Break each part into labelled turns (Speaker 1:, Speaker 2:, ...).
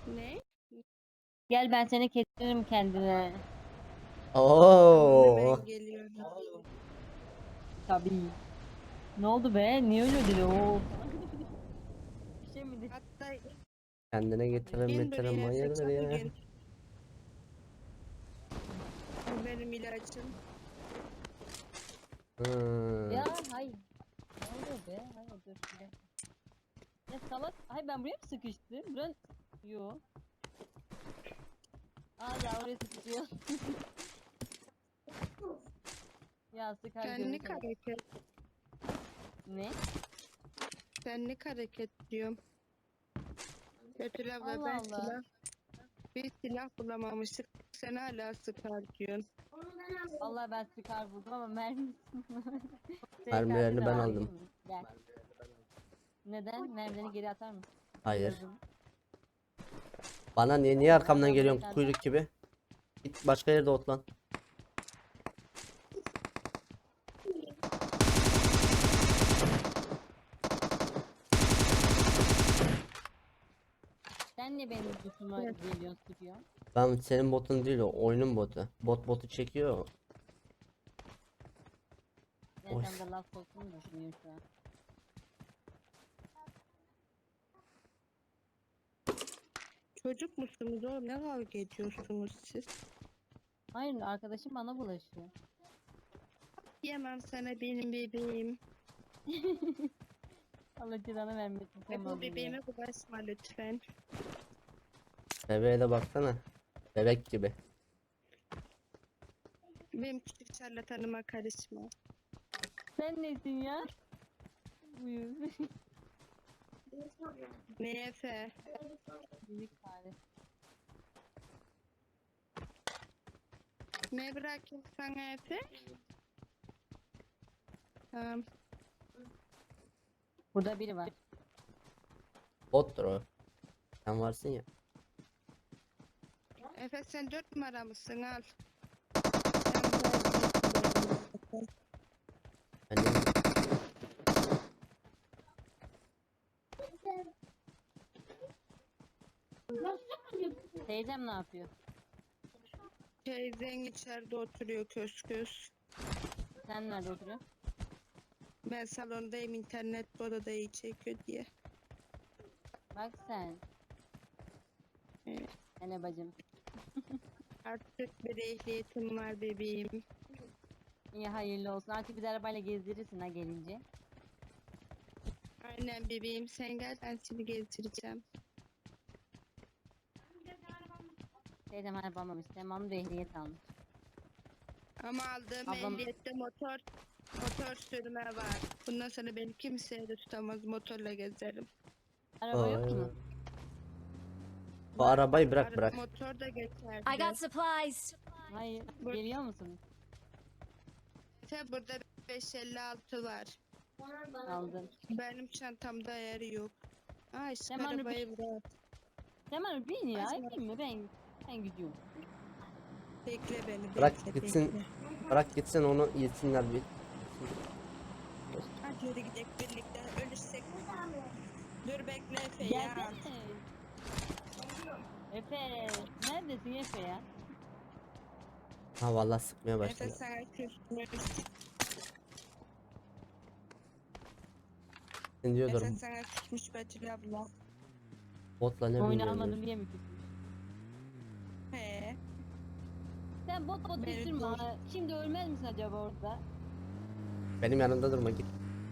Speaker 1: Ne?
Speaker 2: Gel ben seni kestiririm kendine.
Speaker 1: Tamam
Speaker 3: Oo.
Speaker 1: hemen geliyorum.
Speaker 2: Tabii. Ne oldu be? Niye öyle ödedi? Oo. Bir şey mi dedi?
Speaker 1: Hatta
Speaker 3: Kendine getirin
Speaker 1: in
Speaker 3: bitirin
Speaker 1: buraya
Speaker 3: hayırdır
Speaker 1: çabuk
Speaker 3: ya.
Speaker 1: in. Bu benim ilacım.
Speaker 3: Hmm.
Speaker 2: Ya hayır. Ne oluyor be? Hayır dur. Bir dakika. Ya salak. Hayır ben buraya mı sıkıştım? Buran... Yo. Allah oraya sıkışıyor. Ya sıkar
Speaker 1: Senlik
Speaker 2: görürsen.
Speaker 1: hareket.
Speaker 2: Ne?
Speaker 1: Senlik hareket diyorum. Betül ve
Speaker 2: Allah
Speaker 1: ben
Speaker 2: Allah.
Speaker 1: bir silah bulamamıştık. Sen hala sıkar diyorsun.
Speaker 2: Allah ben sıkar buldum ama mermi. SKS
Speaker 3: Mermilerini
Speaker 2: de
Speaker 3: ben
Speaker 2: var
Speaker 3: aldım.
Speaker 2: değil mi? Gel. Neden? Mermilerini geri atar mısın?
Speaker 3: Hayır.
Speaker 2: Yazın.
Speaker 3: Bana niye arkamdan
Speaker 2: Ben buraya
Speaker 3: geliyorsun
Speaker 2: tane...
Speaker 3: kuyruk gibi? Git başka yerde otlan.
Speaker 2: Sen niye benim üstüme
Speaker 1: Evet.
Speaker 2: geliyorsun sıkıyorsun?
Speaker 3: Ben senin botun değil, o oyunun botu. Botu çekiyor.
Speaker 2: Ben
Speaker 3: Oy.
Speaker 2: sen de laf soktuğunu düşünüyorum şu an.
Speaker 1: Çocuk musunuz oğlum? Ne kavga ediyorsunuz siz?
Speaker 2: Hayır arkadaşım bana bulaşıyor.
Speaker 1: Yemem sana benim bebeğim.
Speaker 2: Allah cezanı vermesin
Speaker 1: Bu
Speaker 2: tamam ya.
Speaker 1: bebeğime bulaşma lütfen.
Speaker 3: Bebeğe de baksana. Bebek gibi.
Speaker 1: Benim küçük şarlatanıma karışma.
Speaker 2: Sen nesin ya? Buyur.
Speaker 1: Ne Efe?
Speaker 2: Minik fare.
Speaker 1: Ne bırakayım sana Efe? Tamam.
Speaker 2: Burada biri var.
Speaker 3: Bottur o. Sen varsın ya.
Speaker 1: Efe sen 4 numara mısın? Al.
Speaker 3: Ben de
Speaker 2: Teyzem ne yapıyor?
Speaker 1: Teyzen içeride oturuyor kös kös.
Speaker 2: Sen nerede oturuyorsun?
Speaker 1: Ben salondayım, internet bu odada iyi çekiyor diye.
Speaker 2: Bak sen.
Speaker 1: Evet.
Speaker 2: Hele bacım.
Speaker 1: Artık bir ehliyetim var bebeğim.
Speaker 2: İyi hayırlı olsun. Artık biz arabayla gezdirirsin ha gelince.
Speaker 1: Aynen bebeğim, sen gel ben seni gezdireceğim.
Speaker 2: Teyzem araba almamış. Tamam da ehliyet almış.
Speaker 1: Ama aldığım
Speaker 2: Ablam
Speaker 1: ehliyette motor sürme var. Bundan sonra beni kimseye de tutamaz, motorla gezerim.
Speaker 2: araba yok mu?
Speaker 3: Bu arabayı bırak
Speaker 1: Arada
Speaker 3: bırak.
Speaker 1: motor da
Speaker 4: I
Speaker 1: geçerdi.
Speaker 4: got supplies.
Speaker 2: Hayır.
Speaker 1: Bu-
Speaker 2: Geliyor musunuz?
Speaker 1: İşte burada 556 var.
Speaker 2: Aldım.
Speaker 1: Benim çantamda yer yok. Aa işte
Speaker 2: Tamam,
Speaker 1: arabayı bırak.
Speaker 2: Tamam bin ya.
Speaker 1: Açma.
Speaker 2: Bin mi? Ben gidiyorum.
Speaker 1: Bekle beni,
Speaker 3: Bırak
Speaker 1: bekle,
Speaker 3: gitsin.
Speaker 1: bekle.
Speaker 3: Bırak gitsin onu yesinler bir.
Speaker 1: Hadi yürü gidelim birlikte, ölürsek. Dur bekle Efe ya.
Speaker 2: Gelsene. Efe. Neredesin Efe ya?
Speaker 3: Ha vallahi sıkmaya
Speaker 1: Efe
Speaker 3: başladı.
Speaker 1: sana küsmüş.
Speaker 3: Sen
Speaker 1: Efe
Speaker 3: diyordur
Speaker 1: sana küsmüş Betül abla.
Speaker 3: botla ne
Speaker 2: Oyunu
Speaker 3: bilmiyorum.
Speaker 2: almadım
Speaker 3: diyor.
Speaker 2: diye mi küstün?
Speaker 1: He.
Speaker 2: Sen bot
Speaker 1: Beni
Speaker 2: küstürme
Speaker 1: dur.
Speaker 2: ha. Şimdi ölmez misin acaba orada?
Speaker 3: Benim yanımda durma git.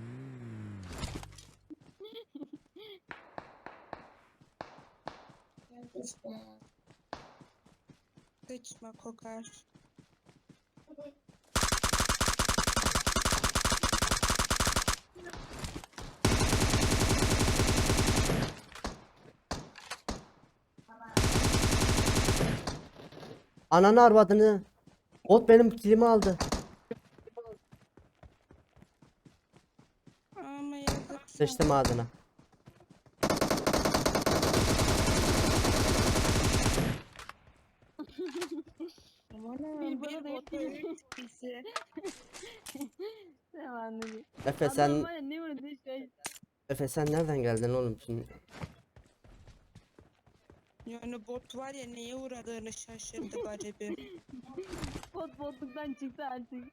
Speaker 1: Sıçma kokar.
Speaker 3: Ananı arvadını. Bot benim kilimi aldı.
Speaker 1: Ama yazık.
Speaker 3: Sıçtım ağzına.
Speaker 1: Aman
Speaker 2: Bir
Speaker 1: bir
Speaker 2: bana da
Speaker 1: motor
Speaker 2: hepsini.
Speaker 1: bizi.
Speaker 2: Tamam anladım.
Speaker 3: Efe
Speaker 2: Adam
Speaker 3: sen
Speaker 2: var ya ne vurdu şey.
Speaker 3: Efe sen nereden geldin oğlum şimdi?
Speaker 1: Yani bot var ya neye uğradığını şaşırdı garibim.
Speaker 2: Botluktan çıktı artık.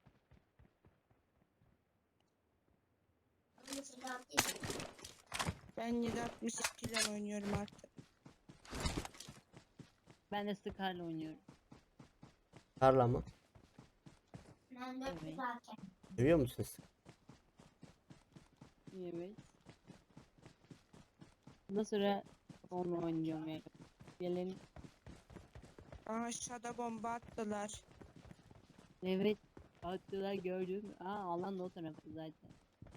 Speaker 1: Ben 762 ile oynuyorum artık.
Speaker 2: Ben de Scar'la oynuyorum.
Speaker 3: Tarla mı?
Speaker 2: Evet.
Speaker 3: Seviyor musunuz?
Speaker 2: Evet. Bundan sonra onunla oynuyorum yani. Gelin.
Speaker 1: Aha aşağıda bomba attılar.
Speaker 2: Evet. Attılar gördüm. Alan da o tarafta zaten.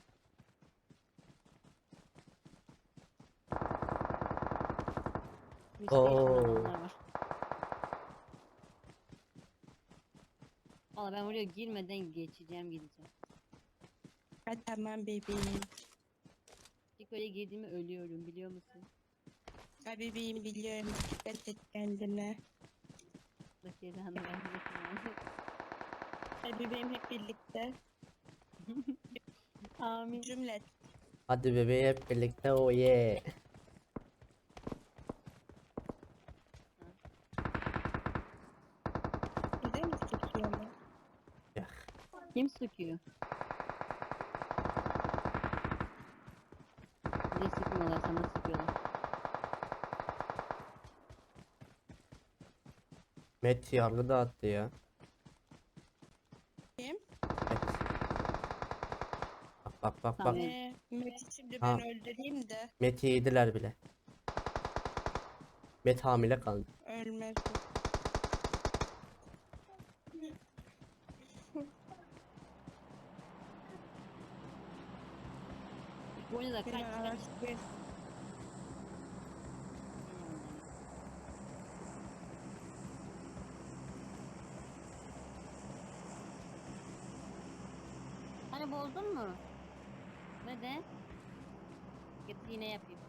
Speaker 2: Hiç geçen
Speaker 3: Oo.
Speaker 2: adamlar var. Valla ben oraya girmeden geçeceğim gideceğim.
Speaker 1: Ha tamam bebeğim.
Speaker 2: İlk öyle girdiğimi ölüyorum biliyor musun?
Speaker 1: Ha bebeğim biliyorum. Dikkat et kendine.
Speaker 2: Allah cezanı vermesin yani.
Speaker 1: Ha bebeğim hep birlikte.
Speaker 2: Amin.
Speaker 1: Cümlet.
Speaker 3: Hadi bebeği hep birlikte o ye.
Speaker 1: Bize mi sıkıyorlar?
Speaker 2: Kim sıkıyor? Bize sıkmıyorlar sana sıkıyorlar.
Speaker 3: Met yargı dağıttı ya.
Speaker 1: Kim?
Speaker 3: Met. Bak.
Speaker 2: Tamam.
Speaker 1: Mehmet'i şimdi
Speaker 3: Ha.
Speaker 1: ben öldüreyim de
Speaker 3: Met'i yediler bile. Met hamile kaldı.
Speaker 1: ölmez.
Speaker 2: Bu oyunda kaç
Speaker 1: Bir
Speaker 2: kaç.
Speaker 1: araç bir.
Speaker 2: Hani bozdun mu? Neden? Getir yine yapayım.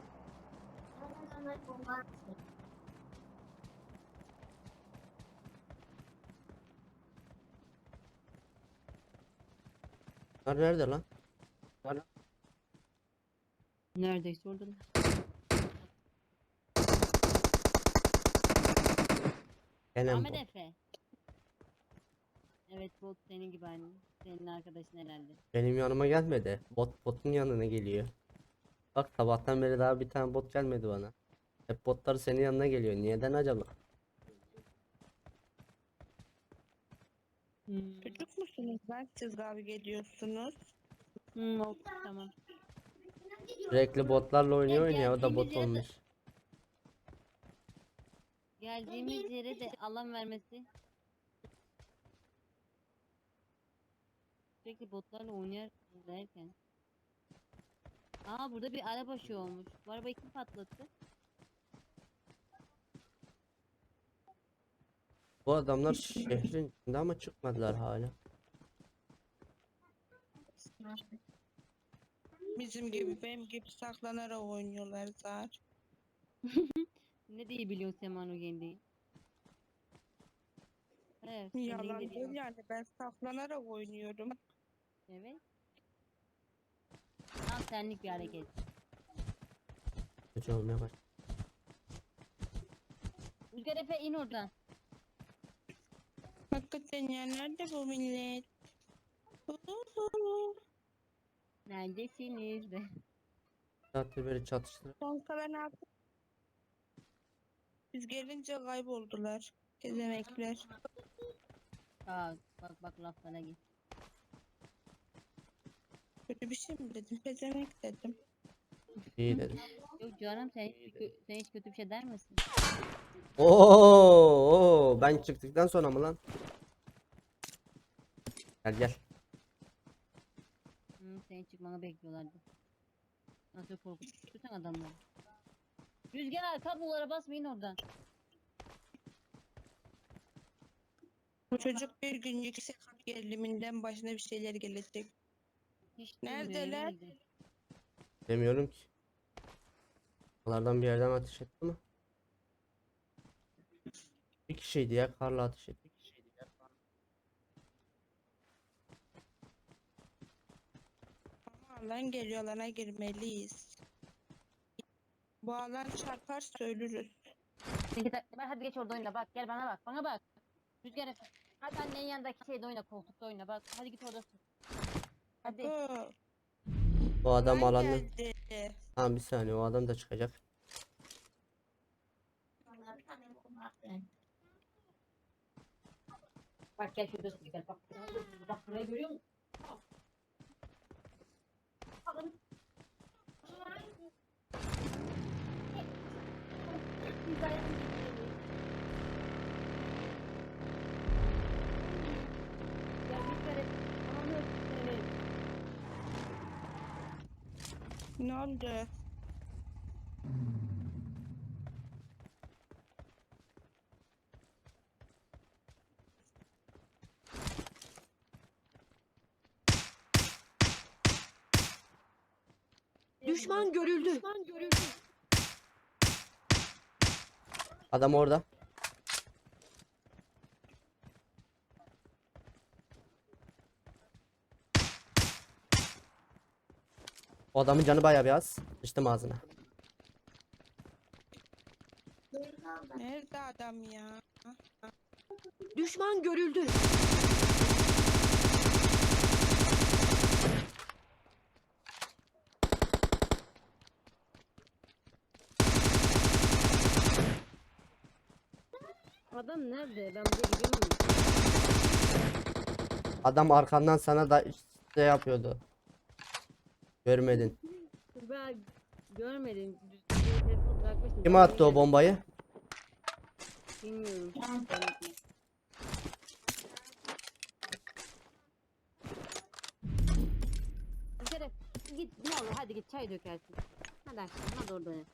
Speaker 3: Bunlar nerede lan?
Speaker 2: Neredeyse oradalar.
Speaker 3: Gene
Speaker 2: Ahmet
Speaker 3: bu.
Speaker 2: Efe. Evet bot senin gibi aynı. Senin arkadaşın herhalde.
Speaker 3: Benim yanıma gelmedi. Botun yanına geliyor. Bak sabahtan beri daha bir tane bot gelmedi bana. Hep botlar senin yanına geliyor. Neden acaba?
Speaker 1: Çocuk musunuz lan siz kavga ediyorsunuz?
Speaker 2: Oldu tamam.
Speaker 3: Sürekli botlarla
Speaker 2: Ya
Speaker 3: oynuyor ya o da
Speaker 2: geldiğimiz
Speaker 3: bot
Speaker 2: yere de
Speaker 3: olmuş.
Speaker 2: geldiğimiz yere de alan vermesi. Sürekli botlarla oynar derken. Burada bir araba şey olmuş. Bu arabayı kim patlattı?
Speaker 3: Bu adamlar şehrin içinde ama çıkmadılar hala.
Speaker 1: Bizim gibi benim gibi saklanarak oynuyorlar zaten.
Speaker 2: Ne diye biliyorsun sen Manu Gendi'yi? Evet, sen
Speaker 1: Yalan
Speaker 2: de
Speaker 1: değil
Speaker 2: biliyorsun.
Speaker 1: yani ben saklanarak oynuyorum.
Speaker 2: Evet. Tam senlik bir hareket.
Speaker 3: Kötü olmaya başladı.
Speaker 2: Rüzgar Efe in oradan.
Speaker 1: Hakikaten ya nerede bu millet? Uhuhu.
Speaker 2: Neredesiniz de?
Speaker 3: Zaten böyle çatıştılar.
Speaker 1: Kanka ne yaptım? Biz gelince kayboldular. Gezemekler.
Speaker 2: Bak laflara git.
Speaker 1: Kötü bir şey mi dedim? Gezemek dedim.
Speaker 3: İyi dedim.
Speaker 2: Yok canım sen hiç kötü bir şey der misin?
Speaker 3: Ben çıktıktan sonra mı lan? Gel.
Speaker 2: Senin çıkmanı bekliyorlardı. Nasıl korkutursan adamları. Rüzgar kablolara basmayın oradan.
Speaker 1: Bu çocuk bir gün yüksek harf geriliminden başına bir şeyler gelecek.
Speaker 2: Hiç
Speaker 1: Neredeler?
Speaker 2: duymuyorum öyle.
Speaker 3: Demiyorum ki. Onlardan bir yerden ateş etti ama. Bir kişiydi ya karla ateş etti.
Speaker 1: Ama alan geliyor alana girmeliyiz. Bu alan çarparsa ölürüz.
Speaker 2: Hadi geç orada oyna bak. Gel bana bak. Bana bak. Rüzgar Efe. Hadi annenin yanındaki şeyde oyna. Koltukta oyna bak. Hadi git orada. Hadi.
Speaker 1: Bu
Speaker 3: O adam
Speaker 1: alan
Speaker 3: alanı.
Speaker 1: geldi.
Speaker 3: Tamam bir saniye o adam da çıkacak.
Speaker 2: Bak gel şurada gel bak. Bak burayı görüyor musun? Ya Rüzgar Efe. Anlamıyor seni.
Speaker 1: Ne oldu?
Speaker 4: Düşman görüldü.
Speaker 3: Adam orada. O adamın canı bayağı bir az. Sıçtım ağzına.
Speaker 1: Nerede adam ya?
Speaker 4: Düşman görüldü.
Speaker 2: Adam nerede? Ben buraya gidiyorum.
Speaker 3: Adam arkandan sana da şey yapıyordu. Görmedin.
Speaker 2: Ben görmedim. Telefonu bırakmıştım.
Speaker 3: Kim
Speaker 2: Ben
Speaker 3: attı o
Speaker 2: yine-
Speaker 3: bombayı?
Speaker 2: Bilmiyorum. Şeref git ne olur hadi git çay dökersin. Hadi aşkım hadi orada oynat.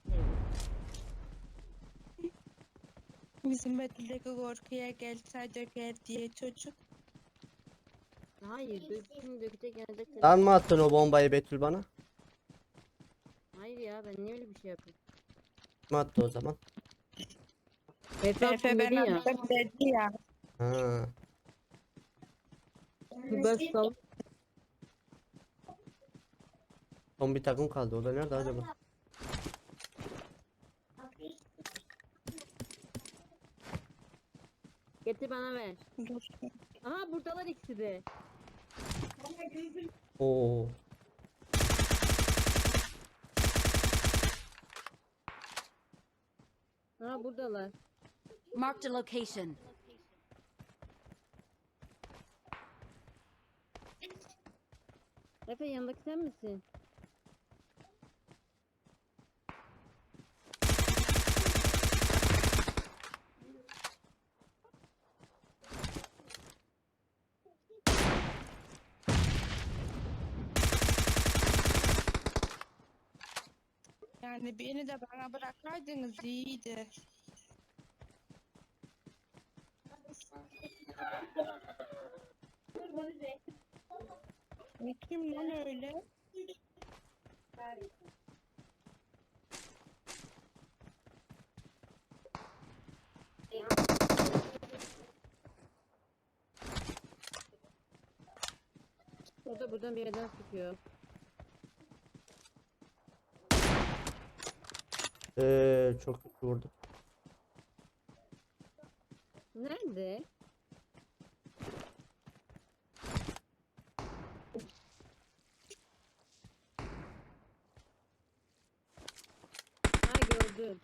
Speaker 1: Bizim Betül'deki korkuya gelse döker diye çocuk.
Speaker 2: Hayır şimdi dökecek yanacak.
Speaker 3: Sen mi attın o bombayı Betül bana?
Speaker 2: Hayır ya ben niye öyle bir şey yapayım?
Speaker 3: Kim attı o zaman?
Speaker 1: Efe ben attım dedi ya.
Speaker 3: Ha.
Speaker 2: Ben sal.
Speaker 3: Son bir takım kaldı. O da nerede acaba?
Speaker 2: Getir bana ver.
Speaker 1: Dur.
Speaker 2: Aha buradalar ikisi de.
Speaker 3: Oo.
Speaker 2: Aha buradalar.
Speaker 4: Marked a location.
Speaker 2: Efe yanındaki sen misin?
Speaker 1: Yani beni de bana bırakaydınız iyiydi. Ne kim lan öyle?
Speaker 2: O da buradan bir yerden sıkıyor.
Speaker 3: Çok kötü vurdu.
Speaker 2: Nerede? Ha gördüm.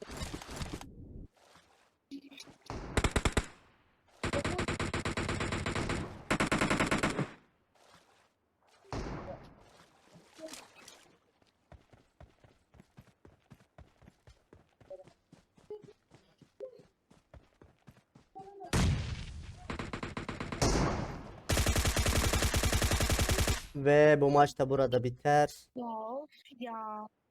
Speaker 3: Ve bu maç da burada biter.
Speaker 1: Ya of ya.